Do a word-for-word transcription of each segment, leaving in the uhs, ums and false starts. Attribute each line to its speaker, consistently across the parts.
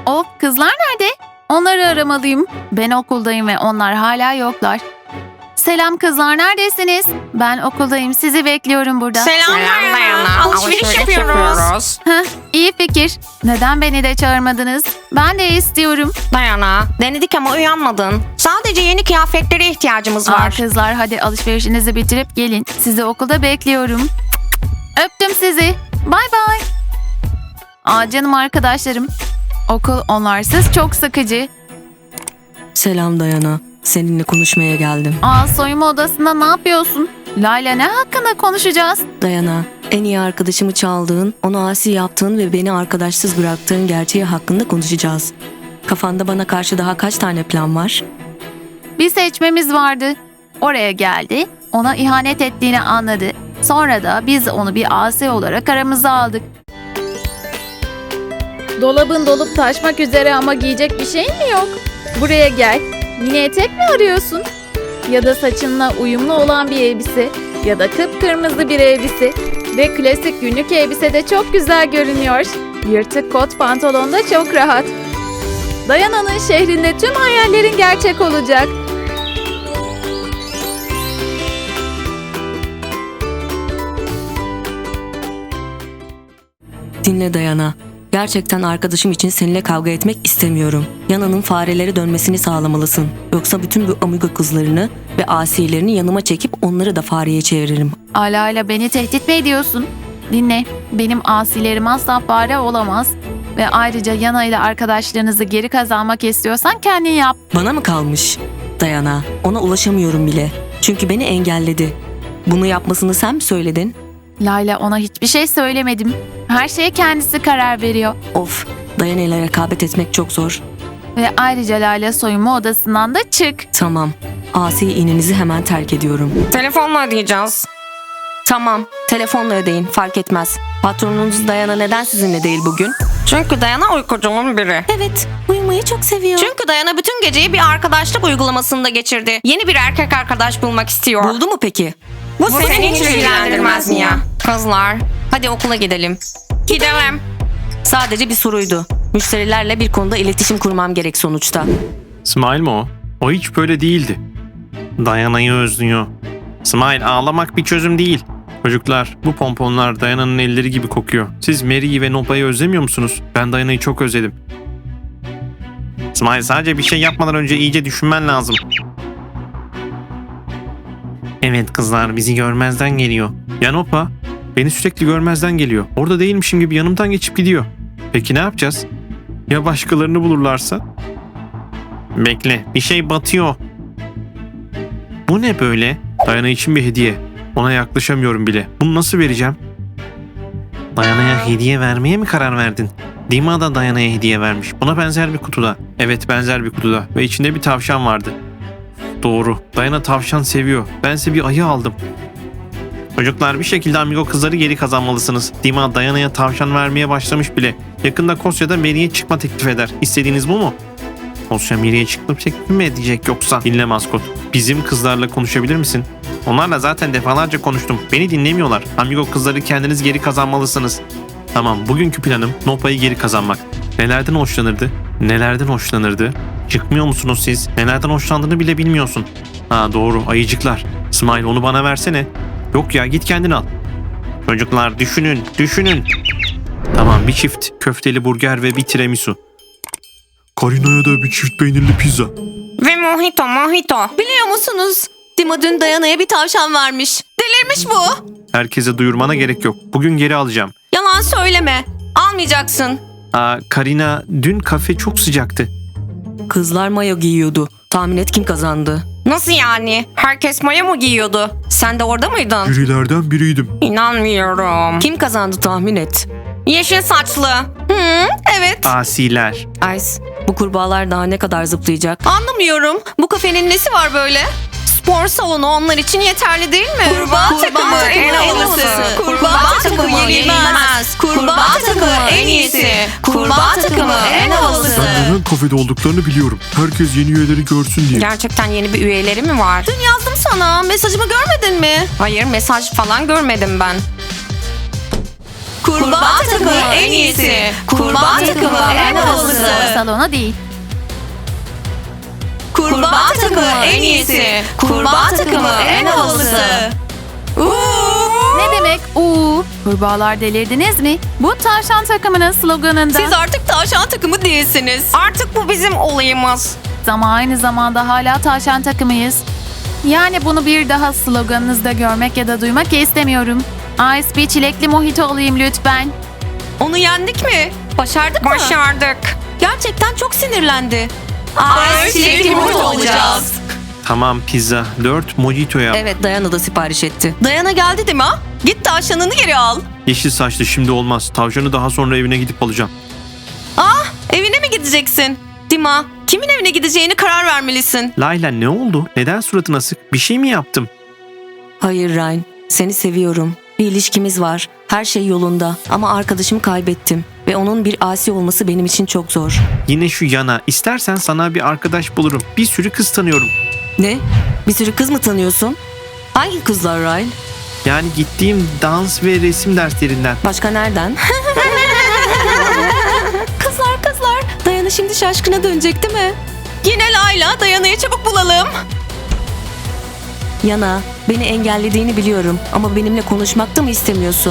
Speaker 1: Of, kızlar nerede? Onları aramalıyım. Ben okuldayım ve onlar hala yoklar. Selam kızlar, neredesiniz? Ben okuldayım, sizi bekliyorum burada.
Speaker 2: Selam Dayana. Alışveriş yapıyoruz.
Speaker 1: Heh, iyi fikir. Neden beni de çağırmadınız? Ben de istiyorum.
Speaker 2: Dayana, denedik ama uyanmadın. Sadece yeni kıyafetlere ihtiyacımız
Speaker 1: Aa,
Speaker 2: var.
Speaker 1: kızlar hadi alışverişinizi bitirip gelin. Sizi okulda bekliyorum. Öptüm sizi. Bay bay. Aa, canım arkadaşlarım. Okul onlarsız çok sıkıcı.
Speaker 3: Selam Dayana. Seninle konuşmaya geldim.
Speaker 1: Aa, soyunma odasında ne yapıyorsun? Layla, ne hakkında konuşacağız?
Speaker 3: Dayana, en iyi arkadaşımı çaldığın, onu asi yaptığın ve beni arkadaşsız bıraktığın gerçeği hakkında konuşacağız. Kafanda bana karşı daha kaç tane plan var?
Speaker 1: Bir seçmemiz vardı. Oraya geldi, ona ihanet ettiğini anladı. Sonra da biz onu bir asi olarak aramıza aldık. Dolabın dolup taşmak üzere ama giyecek bir şeyin mi yok? Buraya gel. Mini etek mi arıyorsun? Ya da saçınla uyumlu olan bir elbise ya da kıpkırmızı bir elbise ve klasik günlük elbise de çok güzel görünüyor. Yırtık kot pantolon da çok rahat. Dayana'nın şehrinde tüm hayallerin gerçek olacak.
Speaker 3: Dinle Dayana. Gerçekten arkadaşım için seninle kavga etmek istemiyorum. Yana'nın farelere dönmesini sağlamalısın. Yoksa bütün bu amigo kızlarını ve asilerini yanıma çekip onları da fareye çeviririm.
Speaker 1: Ala ala beni tehdit mi ediyorsun? Dinle, benim asilerim asla fare olamaz. Ve ayrıca Yana ile arkadaşlarınızı geri kazanmak istiyorsan kendin yap.
Speaker 3: Bana mı kalmış? Dayana, ona ulaşamıyorum bile. Çünkü beni engelledi. Bunu yapmasını sen mi söyledin?
Speaker 1: Layla, ona hiçbir şey söylemedim. Her şeye kendisi karar veriyor.
Speaker 3: Of, Dayana ile rekabet etmek çok zor.
Speaker 1: Ve ayrıca Layla, soyunma odasından da çık.
Speaker 3: Tamam, asi ininizi hemen terk ediyorum.
Speaker 2: Telefonla ödeyeceğiz.
Speaker 3: Tamam, telefonla ödeyin, fark etmez. Patronunuz Dayana neden sizinle değil bugün?
Speaker 2: Çünkü Dayana uykucunun biri.
Speaker 3: Evet, uyumayı çok seviyor.
Speaker 2: Çünkü Dayana bütün geceyi bir arkadaşlık uygulamasında geçirdi. Yeni bir erkek arkadaş bulmak istiyor.
Speaker 3: Buldu mu peki?
Speaker 2: Bu, Bu seni hiç ilgilendirmez mi ya? Kızlar, hadi okula gidelim. Gidelim.
Speaker 3: Sadece bir soruydu. Müşterilerle bir konuda iletişim kurmam gerek sonuçta.
Speaker 4: Smile mi o? O hiç böyle değildi. Dayana'yı özlüyor. Smile, ağlamak bir çözüm değil. Çocuklar, bu pomponlar Dayana'nın elleri gibi kokuyor. Siz Mary'i ve Nopa'yı özlemiyor musunuz? Ben Dayana'yı çok özledim. Smile, sadece bir şey yapmadan önce iyice düşünmen lazım. Evet kızlar, bizi görmezden geliyor. Ya Nopa? Beni sürekli görmezden geliyor. Orada değilmişim gibi yanımdan geçip gidiyor. Peki ne yapacağız? Ya başkalarını bulurlarsa? Bekle, bir şey batıyor. Bu ne böyle? Dayana için bir hediye. Ona yaklaşamıyorum bile. Bunu nasıl vereceğim? Dayana'ya hediye vermeye mi karar verdin? Dima da Dayana'ya hediye vermiş. Buna benzer bir kutuda. Evet, benzer bir kutuda. Ve içinde bir tavşan vardı. Doğru. Dayana tavşan seviyor. Bense bir ayı aldım. Çocuklar, bir şekilde amigo kızları geri kazanmalısınız. Dima Dayana'ya tavşan vermeye başlamış bile. Yakında Kosya'da Mary'e çıkma teklif eder. İstediğiniz bu mu? Kosya Mary'e çıkma teklif mi edecek yoksa? Dinle maskot. Bizim kızlarla konuşabilir misin? Onlarla zaten defalarca konuştum. Beni dinlemiyorlar. Amigo kızları kendiniz geri kazanmalısınız. Tamam, bugünkü planım Nopa'yı geri kazanmak. Nelerden hoşlanırdı? Nelerden hoşlanırdı? Çıkmıyor musunuz siz? Nelerden hoşlandığını bile bilmiyorsun. Ha doğru, ayıcıklar. Smile, onu bana versene. Yok ya, git kendin al. Çocuklar düşünün, düşünün. Tamam, bir çift köfteli burger ve bir tiramisu.
Speaker 5: Karina'ya da bir çift peynirli pizza.
Speaker 2: Ve mojito, mojito.
Speaker 3: Biliyor musunuz? Dima dün Dayana'ya bir tavşan vermiş. Delirmiş bu.
Speaker 4: Herkese duyurmana gerek yok. Bugün geri alacağım.
Speaker 3: Yalan söyleme. Almayacaksın.
Speaker 4: Aa, Karina, dün kafe çok sıcaktı.
Speaker 3: Kızlar mayo giyiyordu. Tahmin et kim kazandı?
Speaker 2: Nasıl yani? Herkes maya mı giyiyordu? Sen de orada mıydın?
Speaker 5: Jürilerden biriydim.
Speaker 2: İnanmıyorum.
Speaker 3: Kim kazandı tahmin et.
Speaker 2: Yeşil saçlı.
Speaker 3: Hı, evet.
Speaker 4: Asiler.
Speaker 3: Ice, bu kurbağalar daha ne kadar zıplayacak?
Speaker 2: Anlamıyorum. Bu kafenin nesi var böyle? Spor salonu onlar için yeterli değil mi?
Speaker 3: Kurbağa takımı en havalısı. Kurbağa takımı yenilmez. Kurbağa takımı en iyisi. Kurbağa takımı en havalısı.
Speaker 5: Ben neden kafede olduklarını biliyorum. Herkes yeni üyeleri görsün diye.
Speaker 2: Gerçekten yeni bir üyeleri mi var?
Speaker 3: Dün yazdım sana. Mesajımı görmedin mi?
Speaker 2: Hayır, mesaj falan görmedim ben.
Speaker 3: Kurbağa takımı en iyisi. Kurbağa takımı en havalısı.
Speaker 1: salonu değil.
Speaker 2: Kurbağa takımı en iyisi. Kurbağa takımı en havalısı.
Speaker 1: Ne demek? Uuu. Kurbağalar delirdiniz mi? Bu tavşan takımının sloganında.
Speaker 2: Siz artık tavşan takımı değilsiniz. Artık bu bizim olayımız.
Speaker 1: Ama aynı zamanda hala tavşan takımıyız. Yani bunu bir daha sloganınızda görmek ya da duymak istemiyorum. Ice bir çilekli mojito olayım lütfen.
Speaker 2: Onu yendik mi? Başardık mı? Başardık. Gerçekten çok sinirlendi.
Speaker 3: Ay, çilekli mojito olacağız.
Speaker 4: Tamam pizza. Dört mojito yap.
Speaker 3: Evet, Dayana da sipariş etti.
Speaker 2: Dayana geldi değil mi ha? Git tavşanını geri al.
Speaker 4: Yeşil saçlı şimdi olmaz. Tavşanı daha sonra evine gidip alacağım.
Speaker 2: Ah, evine mi gideceksin? Dima, kimin evine gideceğini karar vermelisin.
Speaker 4: Layla ne oldu? Neden suratın asık? Bir şey mi yaptım?
Speaker 3: Hayır Ryan, seni seviyorum. Bir ilişkimiz var. Her şey yolunda. Ama arkadaşımı kaybettim. Ve onun bir asi olması benim için çok zor.
Speaker 4: Yine şu yana. İstersen sana bir arkadaş bulurum. Bir sürü kız tanıyorum.
Speaker 3: Ne? Bir sürü kız mı tanıyorsun? Hangi kızlar Ryan?
Speaker 4: Yani gittiğim dans ve resim derslerinden.
Speaker 3: Başka nereden? kızlar kızlar. Dayana şimdi şaşkına dönecek değil mi?
Speaker 2: Yine Layla, Dayana'yı çabuk bulalım.
Speaker 3: Yana, beni engellediğini biliyorum. Ama benimle konuşmak da mı istemiyorsun?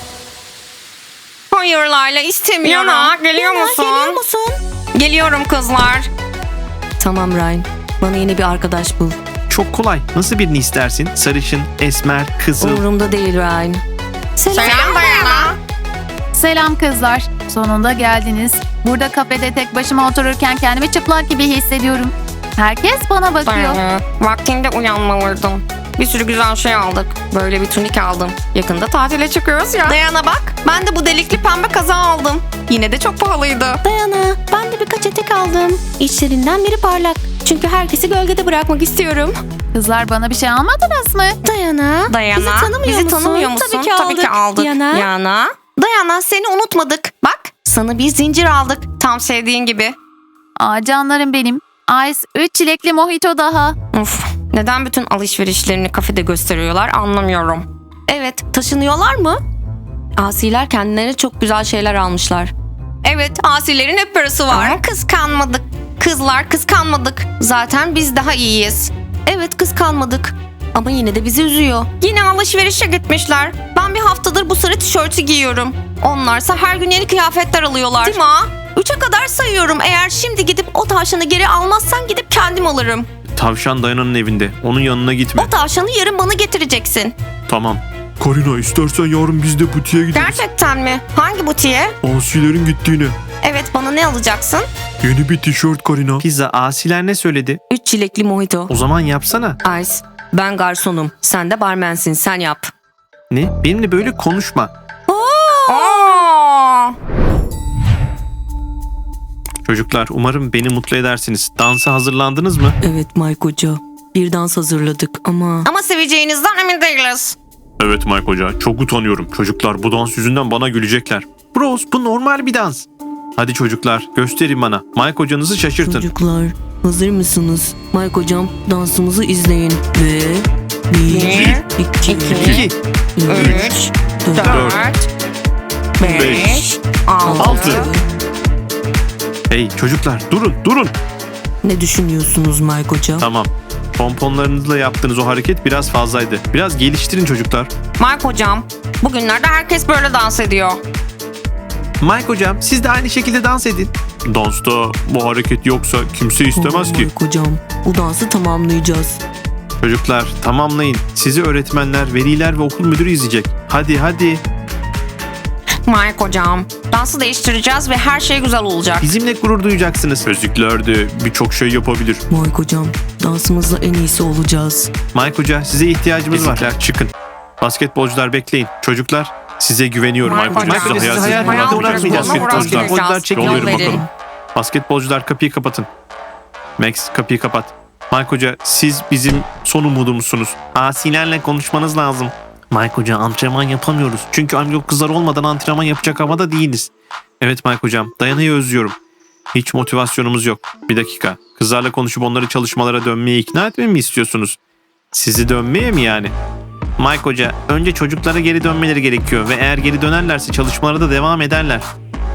Speaker 2: Hayır Layla, istemiyorum. Yana, geliyor
Speaker 3: Yana,
Speaker 2: musun?
Speaker 3: geliyor musun?
Speaker 2: Geliyorum kızlar.
Speaker 3: Tamam Ryan. Bana yeni bir arkadaş bul.
Speaker 4: Çok kolay. Nasıl birini istersin? Sarışın, esmer, kızıl.
Speaker 3: Umurumda değil Ryan.
Speaker 2: Selam Dayana.
Speaker 1: Selam kızlar. Sonunda geldiniz. Burada kafede tek başıma otururken kendimi çıplak gibi hissediyorum. Herkes bana bakıyor.
Speaker 2: Dayana, vaktinde uyanmalıydın. Bir sürü güzel şey aldık. Böyle bir tunik aldım. Yakında tatile çıkıyoruz ya. Dayana bak, ben de bu delikli pembe kaza aldım. Yine de çok pahalıydı.
Speaker 3: Dayana, ben de birkaç etek aldım. İçlerinden biri parlak. Çünkü herkesi gölgede bırakmak istiyorum.
Speaker 1: Kızlar bana bir şey almadınız mı?
Speaker 3: Dayana,
Speaker 2: Dayana,
Speaker 3: bizi tanımıyor
Speaker 2: bizi
Speaker 3: musun?
Speaker 2: tanımıyor musun?
Speaker 3: Tabii ki aldık.
Speaker 2: Tabii ki aldık.
Speaker 3: Yana.
Speaker 2: Yana. Dayana, seni unutmadık. Bak, sana bir zincir aldık. Tam sevdiğin gibi.
Speaker 1: Aa canlarım benim. Ice üç çilekli mojito daha.
Speaker 2: Uf, neden bütün alışverişlerini kafede gösteriyorlar anlamıyorum.
Speaker 3: Evet, taşınıyorlar mı? Asiler kendilerine çok güzel şeyler almışlar.
Speaker 2: Evet, asilerin hep parası var. Ama kıskanmadık. Kızlar kıskanmadık. Zaten biz daha iyiyiz.
Speaker 3: Evet, kıskanmadık. Ama yine de bizi üzüyor.
Speaker 2: Yine alışverişe gitmişler. Ben bir haftadır bu sarı tişörtü giyiyorum. Onlarsa her gün yeni kıyafetler alıyorlar. Değil mi? Üçe kadar sayıyorum. Eğer şimdi gidip o tavşanı geri almazsan gidip kendim alırım.
Speaker 4: Tavşan Dayana'nın evinde. Onun yanına gitme.
Speaker 2: O tavşanı yarın bana getireceksin.
Speaker 4: Tamam.
Speaker 5: Karina istersen yarın biz de butiğe gideriz.
Speaker 2: Gerçekten mi? Hangi butiğe?
Speaker 5: Asilerin gittiğine.
Speaker 2: Evet, bana ne alacaksın?
Speaker 5: Yeni bir tişört Karina.
Speaker 4: Pizza asiler ne söyledi?
Speaker 3: Üç çilekli mojito.
Speaker 4: O zaman yapsana.
Speaker 3: Ice, ben garsonum. Sen de barmensin. Sen yap.
Speaker 4: Ne? Benimle böyle konuşma.
Speaker 2: Aa!
Speaker 4: Çocuklar umarım beni mutlu edersiniz. Dansa hazırlandınız mı?
Speaker 3: Evet Mike Hoca. Bir dans hazırladık ama...
Speaker 2: Ama seveceğinizden emin değiliz.
Speaker 5: Evet Mike Hoca çok utanıyorum. Çocuklar bu dans yüzünden bana gülecekler.
Speaker 4: Bros bu normal bir dans. Hadi çocuklar gösterin bana. Mike hocanızı şaşırtın.
Speaker 3: Çocuklar, hazır mısınız? Mike Hocam, dansımızı izleyin. Ve... Bir,
Speaker 2: Bir,
Speaker 3: iki,
Speaker 2: iki,
Speaker 4: İki,
Speaker 3: üç, dört,
Speaker 2: Dört, beş,
Speaker 4: beş,
Speaker 2: altı.
Speaker 4: altı. Hey çocuklar durun durun.
Speaker 3: Ne düşünüyorsunuz Mike Hocam?
Speaker 4: Tamam. Pomponlarınızla yaptığınız o hareket biraz fazlaydı. Biraz geliştirin çocuklar.
Speaker 2: Mike hocam, bugünlerde herkes böyle dans ediyor.
Speaker 4: Mike hocam siz de aynı şekilde dans edin.
Speaker 5: Dansta bu hareket yoksa kimse istemez ki.
Speaker 3: Mike Hocam, bu dansı tamamlayacağız.
Speaker 4: Çocuklar tamamlayın. Sizi öğretmenler, veliler ve okul müdürü izleyecek. Hadi hadi.
Speaker 2: Mike hocam, dansı değiştireceğiz ve her şey güzel olacak.
Speaker 4: Bizimle gurur duyacaksınız.
Speaker 5: Ezikler de birçok şey yapabilir.
Speaker 3: Mike Hocam, dansımızla en iyisi olacağız.
Speaker 4: Mike hoca size ihtiyacımız var.
Speaker 5: Ezikler
Speaker 4: Çıkın. Basketbolcular bekleyin. Çocuklar size güveniyorum.
Speaker 2: Mike hocam,
Speaker 4: Mike hoca sizi
Speaker 5: sizi
Speaker 4: hayal
Speaker 5: hayal
Speaker 4: kırıklığına
Speaker 5: kırıklığına
Speaker 4: uğratmayacağız.
Speaker 2: uğratmayacağız.
Speaker 4: Basketbolcular çekin.
Speaker 5: Yol verin
Speaker 2: Yol verin.
Speaker 5: bakalım.
Speaker 4: Basketbolcular kapıyı kapatın. Max kapıyı kapat. Mike hoca siz bizim son umudumuzsunuz. Asilerle konuşmanız lazım. Mike hoca antrenman yapamıyoruz. Çünkü amigo kızlar olmadan antrenman yapacak havada değiliz. Evet Mike hocam Dayana'yı özlüyorum. Hiç motivasyonumuz yok. Bir dakika. Kızlarla konuşup onları çalışmalara dönmeye ikna etmemi mi istiyorsunuz? Sizi dönmeye mi yani? Mike hoca önce çocuklara geri dönmeleri gerekiyor ve eğer geri dönerlerse çalışmalara da devam ederler.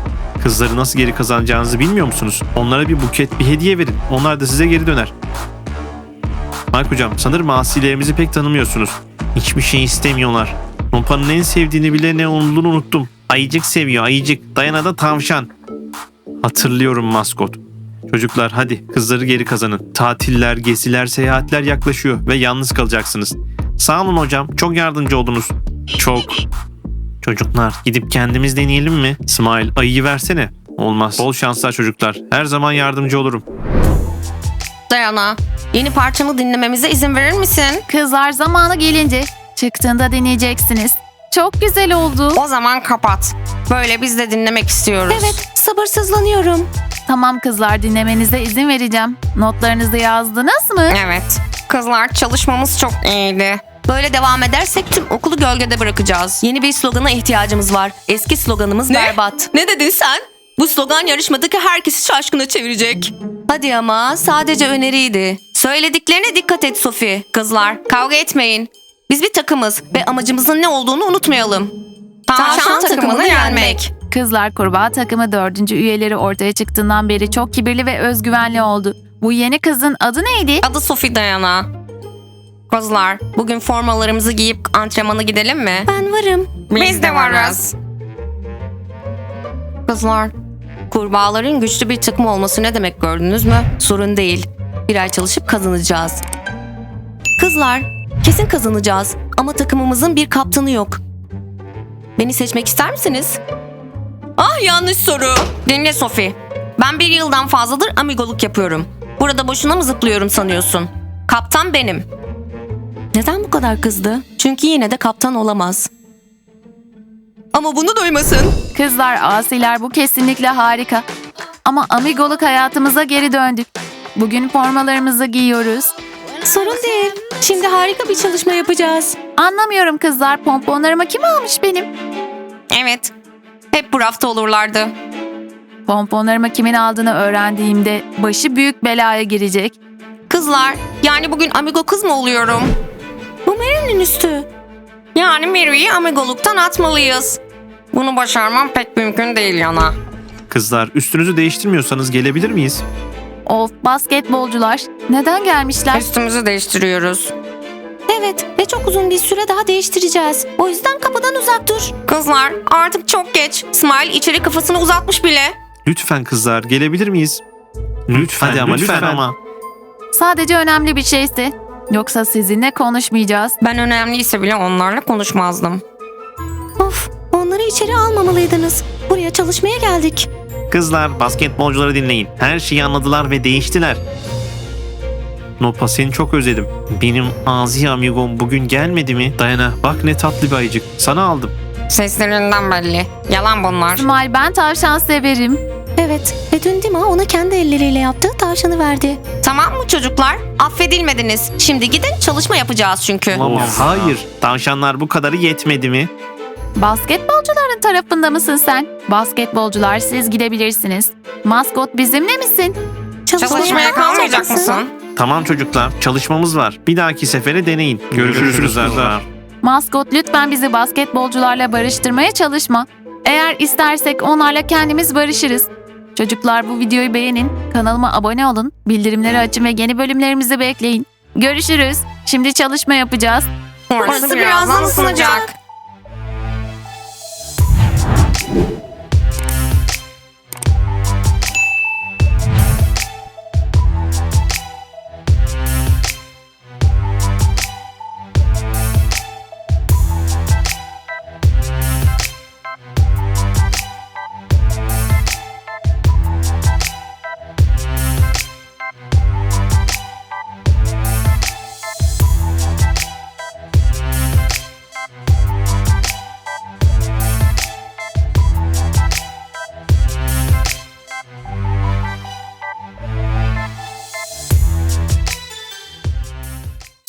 Speaker 4: Kızları nasıl geri kazanacağınızı bilmiyor musunuz? Onlara bir buket, bir hediye verin. Onlar da size geri döner. Mike hocam, sanırım asilerimizi pek tanımıyorsunuz. Hiçbir şey istemiyorlar. Nopa'nın en sevdiğini bile ne olduğunu unuttum. Ayıcık seviyor, ayıcık. Dayana da tavşan. Hatırlıyorum maskot. Çocuklar hadi kızları geri kazanın. Tatiller, geziler, seyahatler yaklaşıyor ve yalnız kalacaksınız. Sağ olun hocam, çok yardımcı oldunuz. Çok. Çocuklar gidip kendimiz deneyelim mi? Smile, ayıyı versene. Olmaz. Bol şanslar çocuklar. Her zaman yardımcı olurum.
Speaker 2: Dayana, yeni parçamı dinlememize izin verir misin?
Speaker 1: Kızlar zamanı gelince çıktığında dinleyeceksiniz. Çok güzel oldu.
Speaker 2: O zaman kapat. Böyle biz de dinlemek istiyoruz.
Speaker 3: Evet, sabırsızlanıyorum.
Speaker 1: Tamam kızlar, dinlemenize izin vereceğim. Notlarınızı yazdınız mı?
Speaker 2: Evet. Kızlar, çalışmamız çok iyiydi. Böyle devam edersek tüm okulu gölgede bırakacağız.
Speaker 3: Yeni bir slogana ihtiyacımız var. Eski sloganımız
Speaker 2: Ne?
Speaker 3: berbat.
Speaker 2: Ne dedin sen? Bu slogan yarışmadaki herkesi şaşkına çevirecek.
Speaker 3: Hadi ama sadece öneriydi.
Speaker 2: Söylediklerine dikkat et Sophie. Kızlar, kavga etmeyin. Biz bir takımız ve amacımızın ne olduğunu unutmayalım. Tavşan,
Speaker 3: Tavşan
Speaker 2: takımını
Speaker 3: takımını
Speaker 2: yenmek.
Speaker 1: Kızlar kurbağa takımı dördüncü üyeleri ortaya çıktığından beri çok kibirli ve özgüvenli oldu. Bu yeni kızın adı neydi?
Speaker 2: Adı Sophie Dayana. Kızlar, bugün formalarımızı giyip antrenmana gidelim mi?
Speaker 3: Ben varım.
Speaker 2: Biz de varız. Kızlar, kurbağaların güçlü bir takım olması ne demek gördünüz mü?
Speaker 3: Sorun değil. Bir ay çalışıp kazanacağız. Kızlar, kesin kazanacağız. Ama takımımızın bir kaptanı yok. Beni seçmek ister misiniz?
Speaker 2: Ah, yanlış soru. Dinle Sophie. Ben bir yıldan fazladır amigoluk yapıyorum. Burada boşuna mı zıplıyorum sanıyorsun? Kaptan benim.
Speaker 3: Neden bu kadar kızdı? Çünkü yine de kaptan olamaz.
Speaker 2: Ama bunu duymasın.
Speaker 1: Kızlar, asiler, bu kesinlikle harika. Ama amigoluk hayatımıza geri döndük. Bugün formalarımızı giyiyoruz.
Speaker 3: Sorun değil. Şimdi harika bir çalışma yapacağız.
Speaker 1: Anlamıyorum kızlar, pomponlarımı kim almış benim?
Speaker 2: Evet. Hep bu rafta olurlardı.
Speaker 1: Pomponlarımı kimin aldığını öğrendiğimde başı büyük belaya girecek.
Speaker 2: Kızlar, yani bugün amigo kız mı oluyorum?
Speaker 3: Bu Mary'nin üstü.
Speaker 2: Yani Mary'i amigoluktan atmalıyız. Bunu başarmam pek mümkün değil yana.
Speaker 4: Kızlar üstünüzü değiştirmiyorsanız gelebilir miyiz?
Speaker 1: Of, basketbolcular. Neden gelmişler?
Speaker 2: Üstümüzü değiştiriyoruz.
Speaker 3: Evet ve çok uzun bir süre daha değiştireceğiz. O yüzden kapıdan uzak dur.
Speaker 2: Kızlar, artık çok geç. Smile içeri kafasını uzatmış bile.
Speaker 4: Lütfen kızlar gelebilir miyiz? Lütfen hadi ama lütfen, ama.
Speaker 1: Sadece önemli bir şeyse. Yoksa sizinle konuşmayacağız.
Speaker 2: Ben önemliyse bile onlarla konuşmazdım.
Speaker 3: Of, onları içeri almamalıydınız. Buraya çalışmaya geldik.
Speaker 4: Kızlar basketbolcuları dinleyin. Her şeyi anladılar ve değiştiler. Nopa seni çok özledim. Benim Azi amigom bugün gelmedi mi? Dayana bak ne tatlı bir ayıcık. Sana aldım.
Speaker 2: Seslerinden belli. Yalan bunlar.
Speaker 1: İsmail, ben tavşan severim.
Speaker 3: Evet ve dün Dima ona kendi elleriyle yaptığı tavşanı verdi.
Speaker 2: Tamam mı çocuklar? Affedilmediniz. Şimdi gidin, çalışma yapacağız çünkü.
Speaker 4: Of, hayır. Tavşanlar bu kadarı yetmedi mi?
Speaker 1: Basketbolcuların tarafında mısın sen? Basketbolcular, siz gidebilirsiniz. Maskot, bizimle misin?
Speaker 2: Çalışmaya kalmayacak mısın?
Speaker 4: Tamam çocuklar çalışmamız var. Bir dahaki sefere deneyin. Görüşürüz kızlar.
Speaker 1: Maskot, lütfen bizi basketbolcularla barıştırmaya çalışma. Eğer istersek onlarla kendimiz barışırız. Çocuklar, bu videoyu beğenin, kanalıma abone olun, bildirimleri açın ve yeni bölümlerimizi bekleyin. Görüşürüz. Şimdi çalışma yapacağız.
Speaker 2: Orası birazdan ısınacak.